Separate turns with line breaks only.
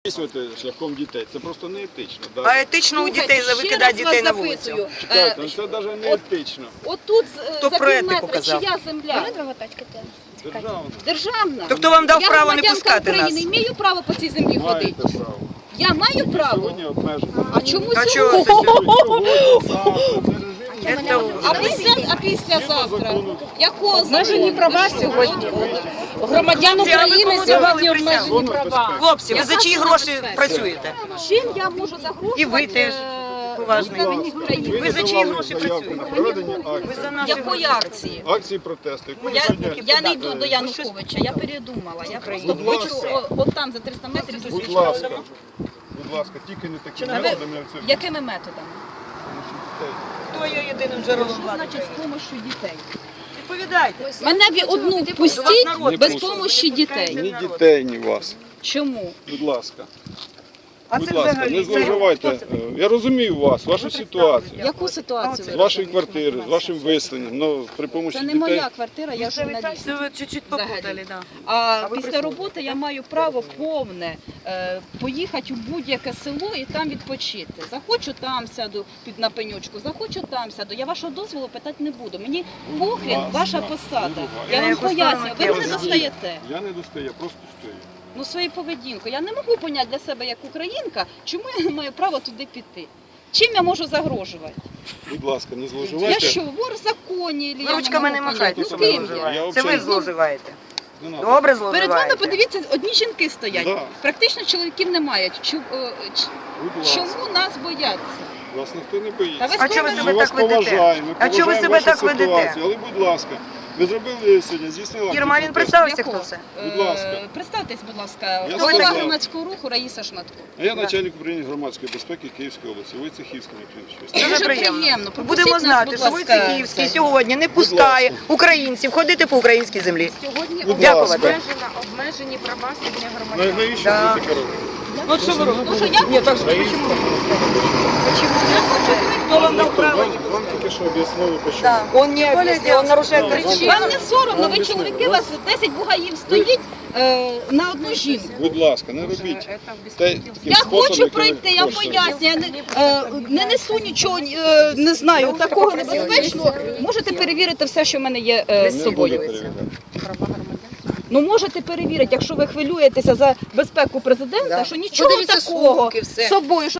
записувати шляхом дітей. Це просто не етично. Да?
А етично у дітей викидати дітей на вулицю?
Чекайте, ну це навіть не етично.
Отут
Хто
за
про етику
півметра
казав?
чия земля?
Державна.
Державна.
То хто вам дав
Я
право не
громадянка
пускати нас?
України, маю право по цій землі ходити.
Маєте право.
Я маю право.
Сьогодні обмежено.
А чому
А
сьогодні?
чого це?
Сьогодні, завтра, це режим.
А післязавтра? Якого
Обмежені права сьогодні. Громадян України сьогодні обмежені права.
Хлопці, ви за чиї гроші працюєте?
Чим я можу загрожувати?
І ви теж, поважний. Ви за чиї гроші
заявку на
працюєте?
проведення
Ви
акції.
за наші
Якої акції?
Акції протесту. Яку ви сьогодні...
Я не йду до Януковича, я передумала. Я просто
Будь
хочу
ласка.
от там за 300 метрів
Будь
зустрічати.
ласка, будь ласка, тільки не такими методами, як це.
Якими методами?
Хто є єдиним джерелом
Що
влади?
значить з допомогою дітей?
Відповідайте.
Мене одну впустіть без допомоги дітей.
Ні дітей, ні вас.
Чому?
Будь ласка.
А
Будь
це
ласка,
взагалі,
не
це
зловживайте.
хто
Я розумію вас, вашу ситуацію.
Яку ситуацію?
З
ви
вашої
розумієте?
квартири, з вашим виселенням, ну, при помощі
Це не
дітей.
моя квартира, я журналіст.
Це ви чуть-чуть попутали, так.
А
ви
після
присутні?
роботи я маю право повне поїхати у будь-яке село і там відпочити. Захочу там сяду на пеньочку, захочу там сяду. Я вашого дозволу питати не буду. Мені похрін ваша посада. Я
На
вам
яку
пояснюю,
сторону
ви мене
кинути?
достаєте.
Я не достаю, я просто стою.
Ну, свою поведінку. Я не можу поняти для себе як українка, чому я не маю права туди піти. Чим я можу загрожувати?
Будь ласка, не
Я
зловживайте.
що, вор в законі?
Ви ручками не махайте, що
Ну,
ви
ким я?
зловживаєте.
Я
Це ви
взагалі-
зловживаєте.
Не надо.
Добре
Перед вами,
зловживаєте.
подивіться, одні жінки стоять.
Да.
Практично чоловіків немає.
Будь ласка,
Чому нас бояться?
вас ніхто не
Та
боїться.
ви
А чого ви
Ми
себе
вас
так ведете?
поважаємо, ми
А чого ви
поважаємо
себе
вашу
так ведете?
ситуацію. Але, будь ласка, ви зробили сьогодні, здійснили
Ірма,
акцію
він
протесту.
представився,
Якого?
хто це?
Будь ласка.
Представтесь, будь ласка,
Я
голова
сказав.
громадського руху Раїса Шматко.
А я начальник управління громадської безпеки Київської області, Войцехівський
Дуже
Дуже
приємно.
приємно.
Будемо
Пропустіть нас,
знати,
будь
що
ласка,
Войцехівський
це.
сьогодні не пускає українців ходити по українській землі.
Сьогодні
Будь
Дякувати.
ласка.
обмежені права сьогодні громадян.
Навіщо
Да.
ви таке робите?
Ну що ви робите?
Ну що, я хочу,
Хто вам дав право?
Вам тільки що об'яснили, почему.
Да. Он не объяснил, он нарушает причину.
вам не соромно, ви чоловіки, у вас 10 бугаїв стоїть на одну жінку.
Будь ласка, не робіть.
Я хочу пройти, я пояснюю, я не несу нічого, не знаю, такого небезпечного. Можете перевірити все, що в мене є з собою. Ну можете перевірити, якщо ви хвилюєтеся за безпеку президента, що нічого
Подивіться
такого
сумки, все.
з собою.